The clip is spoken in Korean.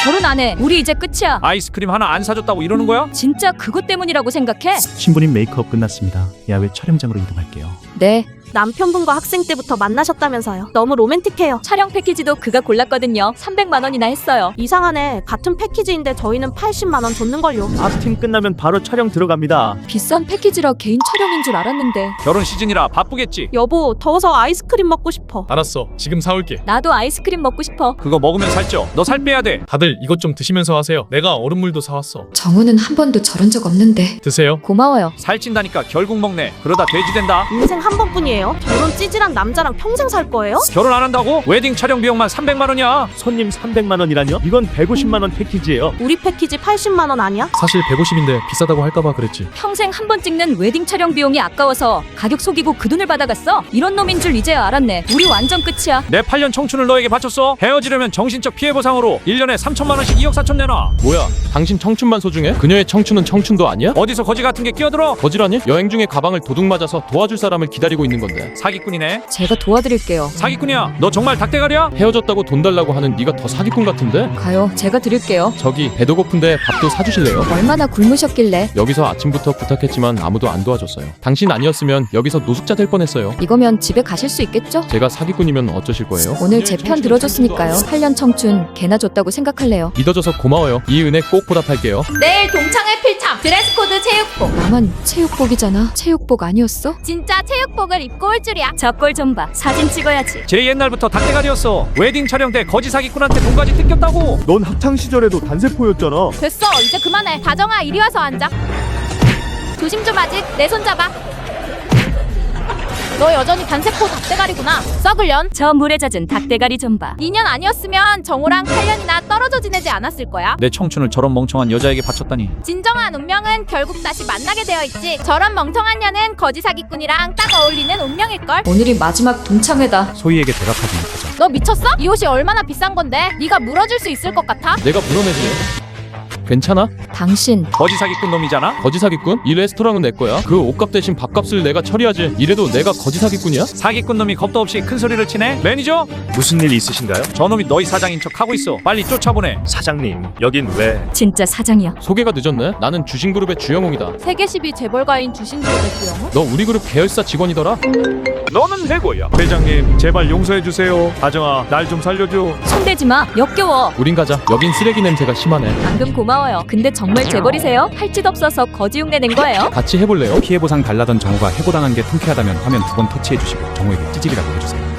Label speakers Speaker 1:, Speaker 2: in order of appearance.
Speaker 1: 결혼 안 해. 우리 이제 끝이야.
Speaker 2: 아이스크림 하나 안 사줬다고 이러는 거야?
Speaker 1: 진짜 그것 때문이라고 생각해?
Speaker 3: 신부님 메이크업 끝났습니다. 야외 촬영장으로 이동할게요.
Speaker 1: 네.
Speaker 4: 남편분과 학생 때부터 만나셨다면서요. 너무 로맨틱해요.
Speaker 1: 촬영 패키지도 그가 골랐거든요. 300만 원이나 했어요.
Speaker 4: 이상하네. 같은 패키지인데 저희는 80만 원 줬는걸요.
Speaker 5: 앞팀 끝나면 바로 촬영 들어갑니다.
Speaker 1: 비싼 패키지라 개인 촬영인 줄 알았는데.
Speaker 2: 결혼 시즌이라 바쁘겠지.
Speaker 4: 여보, 더워서 아이스크림 먹고 싶어.
Speaker 6: 알았어. 지금 사올게.
Speaker 1: 나도 아이스크림 먹고 싶어.
Speaker 2: 그거 먹으면 살쪄. 너 살 빼야 돼.
Speaker 6: 다들 이것 좀 드시면서 하세요. 내가 얼음물도 사왔어.
Speaker 7: 정우는 한 번도 저런 적 없는데.
Speaker 6: 드세요.
Speaker 1: 고마워요.
Speaker 2: 살찐다니까 결국 먹네. 그러다 돼지 된다.
Speaker 4: 인생 한 번뿐이에요. 저런 찌질한 남자랑 평생 살 거예요?
Speaker 2: 결혼 안 한다고? 웨딩 촬영 비용만 300만 원이야.
Speaker 5: 손님 300만 원이라뇨? 이건 150만 원 패키지예요.
Speaker 4: 우리 패키지 80만 원 아니야?
Speaker 6: 사실 150인데 비싸다고 할까봐 그랬지.
Speaker 1: 평생 한 번 찍는 웨딩 촬영 비용이 아까워서 가격 속이고 그 돈을 받아갔어? 이런 놈인 줄 이제야 알았네. 우리 완전 끝이야.
Speaker 2: 내 8년 청춘을 너에게 바쳤어. 헤어지려면 정신적 피해 보상으로 1년에 3천만 원씩 2억 4천 내놔.
Speaker 6: 뭐야? 당신 청춘만 소중해? 그녀의 청춘은 청춘도 아니야?
Speaker 2: 어디서 거지 같은 게 끼어들어?
Speaker 6: 거지라니? 여행 중에 가방을 도둑 맞아서 도와줄 사람을 기다리고 있는 건데.
Speaker 2: 사기꾼이네.
Speaker 1: 제가 도와드릴게요.
Speaker 2: 사기꾼이야. 너 정말 닭대가리야?
Speaker 6: 헤어졌다고 돈 달라고 하는 네가 더 사기꾼 같은데?
Speaker 1: 가요. 제가 드릴게요.
Speaker 6: 저기 배도 고픈데 밥도 사주실래요?
Speaker 1: 얼마나 굶으셨길래.
Speaker 6: 여기서 아침부터 부탁했지만 아무도 안 도와줬어요. 당신 아니었으면 여기서 노숙자 될 뻔했어요.
Speaker 1: 이거면 집에 가실 수 있겠죠?
Speaker 6: 제가 사기꾼이면 어쩌실 거예요?
Speaker 1: 오늘 제 편 들어줬으니까요. 8년 청춘 개나 줬다고 생각할래요.
Speaker 6: 믿어줘서 고마워요. 이 은혜 꼭 보답할게요.
Speaker 8: 내일 동창회 필참 드레스코드 체육복.
Speaker 1: 나만 체육복이잖아. 체육복 아니었어?
Speaker 8: 진짜 체육복을 입고 올 줄이야.
Speaker 1: 저 꼴 좀 봐. 사진 찍어야지.
Speaker 2: 제 옛날부터 닭대가리였어. 웨딩 촬영 때 거지 사기꾼한테 돈까지 뜯겼다고.
Speaker 5: 넌 학창 시절에도 단세포였잖아.
Speaker 8: 됐어, 이제 그만해. 다정아, 이리 와서 앉아. 조심 좀 하지. 내 손 잡아. 너 여전히 단세포 닭대가리구나. 썩을년.
Speaker 1: 저 물에 젖은 닭대가리 좀 봐.
Speaker 8: 2년 아니었으면 정우랑 8년이나 떨어져 지내지 않았을 거야.
Speaker 2: 내 청춘을 저런 멍청한 여자에게 바쳤다니.
Speaker 8: 진정한 운명은 결국 다시 만나게 되어 있지. 저런 멍청한 년은 거지 사기꾼이랑 딱 어울리는 운명일걸.
Speaker 1: 오늘이 마지막 동창회다.
Speaker 3: 소희에게 대답하지 못하자.
Speaker 8: 너 미쳤어? 이 옷이 얼마나 비싼 건데? 네가 물어줄 수 있을 것 같아?
Speaker 6: 내가 물어내지. 괜찮아?
Speaker 1: 당신
Speaker 2: 거지 사기꾼 놈이잖아.
Speaker 6: 거지 사기꾼? 이 레스토랑은 내 거야. 그 옷값 대신 밥값을 내가 처리하지. 이래도 내가 거지 사기꾼이야?
Speaker 2: 사기꾼 놈이 겁도 없이 큰 소리를 치네. 매니저?
Speaker 5: 무슨 일 있으신가요?
Speaker 2: 저놈이 너희 사장인 척 하고 있어. 빨리 쫓아보내.
Speaker 5: 사장님, 여긴 왜?
Speaker 1: 진짜 사장이야.
Speaker 6: 소개가 늦었네. 나는 주신그룹의 주영웅이다.
Speaker 8: 세계 10위 재벌가인 주신그룹의 주영우?
Speaker 6: 너 우리 그룹 계열사 직원이더라?
Speaker 2: 너는 해고야.
Speaker 5: 회장님, 제발 용서해주세요. 다정아, 날 좀 살려줘.
Speaker 1: 손대지 마. 역겨워.
Speaker 6: 우린 가자. 여긴 쓰레기 냄새가 심하네.
Speaker 1: 방금 고마워요. 근데 정말 재벌이세요? 할 짓 없어서 거지 흉내 낸 거예요?
Speaker 6: 같이 해볼래요?
Speaker 3: 피해 보상 달라던 정우가 해고당한 게 통쾌하다면 화면 두 번 터치해 주시고 정우에게 찌질이라고 해주세요.